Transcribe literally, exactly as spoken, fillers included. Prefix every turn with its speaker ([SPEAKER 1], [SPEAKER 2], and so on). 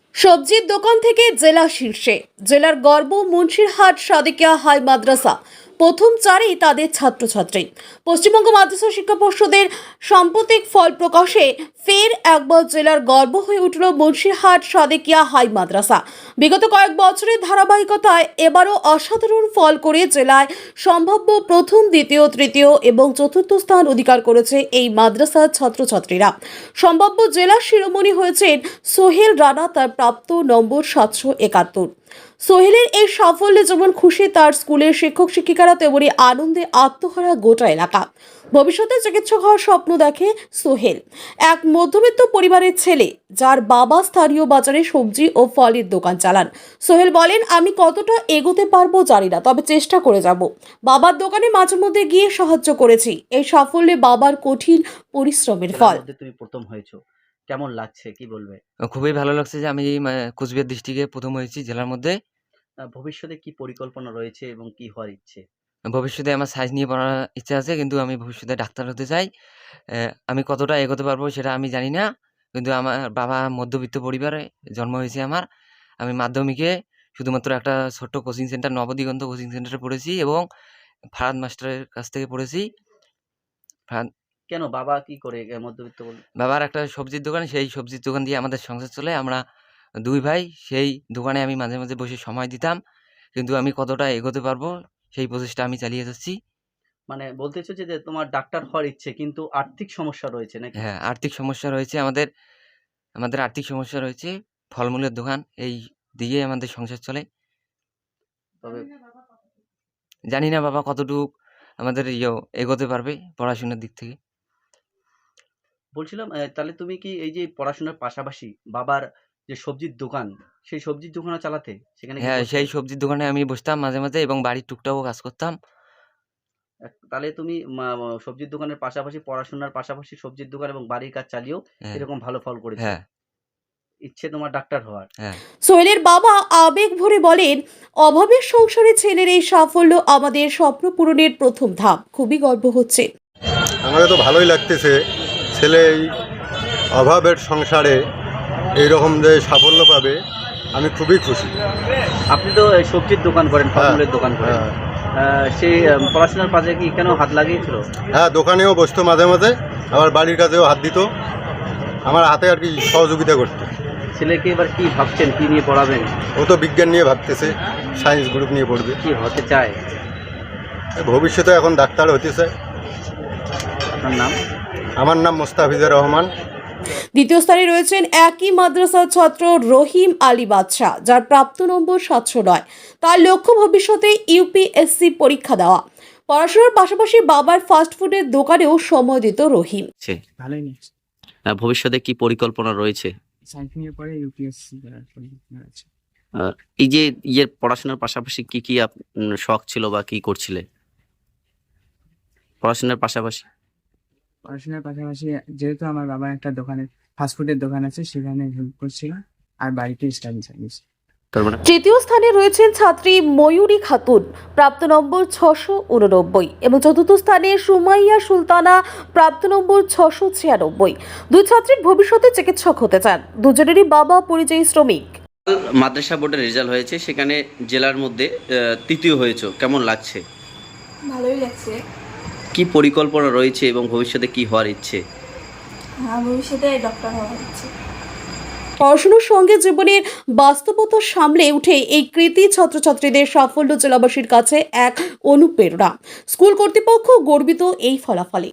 [SPEAKER 1] সবজির দোকান থেকে জেলা শীর্ষে, জেলার গর্ব মুন্সিরহাট সাদিকিয়া হাই মাদ্রাসা প্রথম চারেই তাদের ছাত্রছাত্রী। পশ্চিমবঙ্গ মাদ্রাসা শিক্ষা পর্ষদের সাম্প্রতিক ফল প্রকাশে ফের একবার জেলার গর্ব হয়ে উঠল মুন্সিরহাট সাদিকিয়া হাই মাদ্রাসা। বিগত কয়েক বছরের ধারাবাহিকতায় এবারও অসাধারণ ফল করে জেলায় সম্ভাব্য প্রথম, দ্বিতীয়, তৃতীয় এবং চতুর্থ স্থান অধিকার করেছে এই মাদ্রাসার ছাত্রছাত্রীরা। সম্ভাব্য জেলা শিরোমণি হয়েছেন সোহেল রানা, তার প্রাপ্ত নম্বর সাতশো একাত্তর। সোহেলের এই সাফল্যে যেমন খুশি তার স্কুলের শিক্ষক শিক্ষিকারা, তেমনি আনন্দে আত্মহারা গোটা এলাকা। ভবিষ্যতে চিকিৎসক হওয়ার স্বপ্ন দেখে সোহেল, এক মধ্যবিত্ত পরিবারের ছেলে যার বাবা স্থানীয় বাজারে সবজি ও ফলের দোকান চালান। সোহেল বলেন, আমি কতটা এগোতে পারবো জানি না, তবে চেষ্টা করে যাব। বাবার দোকানে মাঝে মধ্যে গিয়ে সাহায্য করেছি। এই সাফল্যে বাবার কঠিন পরিশ্রমের ফল।
[SPEAKER 2] তুমি প্রথম হয়েছো, কেমন লাগছে কি বলবে?
[SPEAKER 3] খুবই ভালো লাগছে যে আমি মানে কোচবিহার ডিস্ট্রিক্টে প্রথম হয়েছি জেলার মধ্যে।
[SPEAKER 2] আহ, ভবিষ্যতে কি পরিকল্পনা রয়েছে এবং কি হওয়ার ইচ্ছে?
[SPEAKER 3] ভবিষ্যতে আমার সায়েন্স নিয়ে পড়ার ইচ্ছা আছে, কিন্তু আমি ভবিষ্যতে ডাক্তার হতে চাই। আহ, আমি কতটা এগোতে পারবো সেটা আমি জানি না, কিন্তু আমার বাবা মধ্যবিত্ত পরিবারে জন্ম হয়েছে আমার। আমি মাধ্যমিকে শুধুমাত্র একটা ছোট্ট কোচিং সেন্টার, নবদিগন্ত কোচিং সেন্টারে পড়েছি এবং ফারাদ মাস্টারের কাছ থেকে পড়েছি। ফারাদ
[SPEAKER 2] কেন বাবা কি করে আহ, মধ্যবিত্ত বল?
[SPEAKER 3] বাবার একটা সবজির দোকান, সেই সবজির দোকান দিয়ে আমাদের সংসার চলে। আমরা দুই ভাই, সেই দোকানে আমি মাঝে মাঝে বসে সময় দিতাম, কিন্তু আমি কতটা এগোতে পারবো সেই প্রচেষ্টা আমি চালিয়ে যাচ্ছি।
[SPEAKER 2] মানে বলতে চাইছো যে যে তোমার ডাক্তার হওয়ার ইচ্ছে, কিন্তু আর্থিক সমস্যা রয়েছে নাকি?
[SPEAKER 3] হ্যাঁ, আর্থিক সমস্যা রয়েছে আমাদের। আমাদের আর্থিক সমস্যা রয়েছে। ফলমূলের দোকান, এই দিয়ে আমাদের সংসার চলে।
[SPEAKER 2] তবে
[SPEAKER 3] জানি না বাবা কতটুক আমাদের ইয়ে এগোতে পারবে পড়াশোনার দিক থেকে।
[SPEAKER 2] বলছিলাম আহ, তাহলে তুমি কি এই যে পড়াশোনার পাশাপাশি বাবার যে সবজির দোকান, সেই সবজির দোকানও চালাতে সেখানে কি
[SPEAKER 3] হ্যাঁ,
[SPEAKER 2] করতে?
[SPEAKER 3] সেই সবজির দোকানে আমি বসতাম মাঝে মাঝে এবং বাড়ির টুকটাকও কাজ করতাম।
[SPEAKER 2] আহ, তাহলে তুমি মা- মা- সবজির দোকানের পাশাপাশি, পড়াশোনার পাশাপাশি সবজির দোকান এবং বাড়ির কাজ চালিয়েও
[SPEAKER 3] হ্যাঁ,
[SPEAKER 2] এরকম ভালো ফল করেছো।
[SPEAKER 3] হ্যাঁ,
[SPEAKER 2] ইচ্ছে তোমার ডাক্তার হওয়ার।
[SPEAKER 3] হ্যাঁ।
[SPEAKER 1] সোহেলের বাবা আবেগ ভরে বলেন, অভাবের সংসারে ছেলের এই সাফল্য আমাদের স্বপ্ন পূরণের প্রথম ধাপ। খুবই গর্ব হচ্ছে।
[SPEAKER 4] আমাকে তো ভালোই লাগতেছে, ছেলে এই অভাবের সংসারে এইরকম যে সাফল্য পাবে, আমি খুবই খুশি।
[SPEAKER 2] আপনি তো এই সবজির দোকান করেন, ফলমূলের দোকান করেন,
[SPEAKER 4] হ্যাঁ,
[SPEAKER 2] আহ, সেই আহ, পড়াশোনার পাশে কি কেন হাত লাগিয়েছিল?
[SPEAKER 4] হ্যাঁ, দোকানেও বসতো মাঝে মাঝে, আবার বাড়ির কাছেও হাত দিত, আমার হাতে আর কি সহযোগিতা করতো।
[SPEAKER 2] ছেলেকে এবার কি ভাবছেন, কি নিয়ে পড়াবেন?
[SPEAKER 4] ও তো বিজ্ঞান নিয়ে ভাবতেছে, সায়েন্স গ্রুপ নিয়ে পড়বে।
[SPEAKER 2] কি হতে চায়?
[SPEAKER 4] ভবিষ্যতে এখন ডাক্তার হতে চায়।
[SPEAKER 2] আপনার নাম?
[SPEAKER 4] আমার নাম মোস্তাফিজুর রহমান।
[SPEAKER 1] দ্বিতীয় স্থানে রয়েছেন একই মাদ্রাসার ছাত্র রহিম আলী বাদশাহ, যার প্রাপ্ত নম্বর সাতশো নয়। তার লক্ষ্য ভবিষ্যতে ইউপিএসসি পরীক্ষা দেওয়া। পড়াশোনার পাশাপাশি বাবার ফাস্টফুডের দোকানেও সময় দিত রহিম।
[SPEAKER 2] আছে।
[SPEAKER 5] ভালোই নিয়েছে।
[SPEAKER 2] আহ, ভবিষ্যতে কি পরিকল্পনা রয়েছে?
[SPEAKER 5] সায়েন্স নিয়ে পরে ইউপিএসসি করার পরিকল্পনা আছে।
[SPEAKER 2] আহ, এই যে ইয়ের পড়াশোনার পাশাপাশি কি কি আপ- উম, শখ ছিল বা কি করছিলে পড়াশোনার পাশাপাশি?
[SPEAKER 5] পড়াশোনার পাশাপাশি যেহেতু আমার বাবার একটা দোকানে ফাস্টফুডের দোকান আছে, সেখানে হেল্প করছিলাম, আর বাড়িতে স্টাডি চালিয়েছি।
[SPEAKER 2] তার মানে
[SPEAKER 1] তৃতীয় স্থানে রয়েছেন ছাত্রী ময়ূরী খাতুন, প্রাপ্ত নম্বর ছশো উননব্বই, এবং চতুর্থ স্থানে সুমাইয়া সুলতানা, প্রাপ্ত নম্বর ছশো ছিয়ানব্বই। দুই ছাত্রীর ভবিষ্যতে চিকিৎসক হতে চান। দুজনেরই বাবা পরিযায়ী শ্রমিক।
[SPEAKER 2] মাদ্রাসা বোর্ডের রেজাল্ট হয়েছে, সেখানে জেলার মধ্যে আহ, তৃতীয় হয়েছে, কেমন লাগছে?
[SPEAKER 6] ভালোই লাগছে।
[SPEAKER 2] কি পরিকল্পনা রয়েছে এবং ভবিষ্যতে কি হওয়ার ইচ্ছে?
[SPEAKER 6] হ্যাঁ, ভবিষ্যতে ডক্টর হওয়া হচ্ছে।
[SPEAKER 1] পড়াশোনার সঙ্গে জীবনের বাস্তবতা সামলে উঠে এই কৃতি ছাত্রছাত্রীদের সাফল্য জেলাবাসীর কাছে এক অনুপ্রেরণা। স্কুল কর্তৃপক্ষ গর্বিত এই ফলাফলে।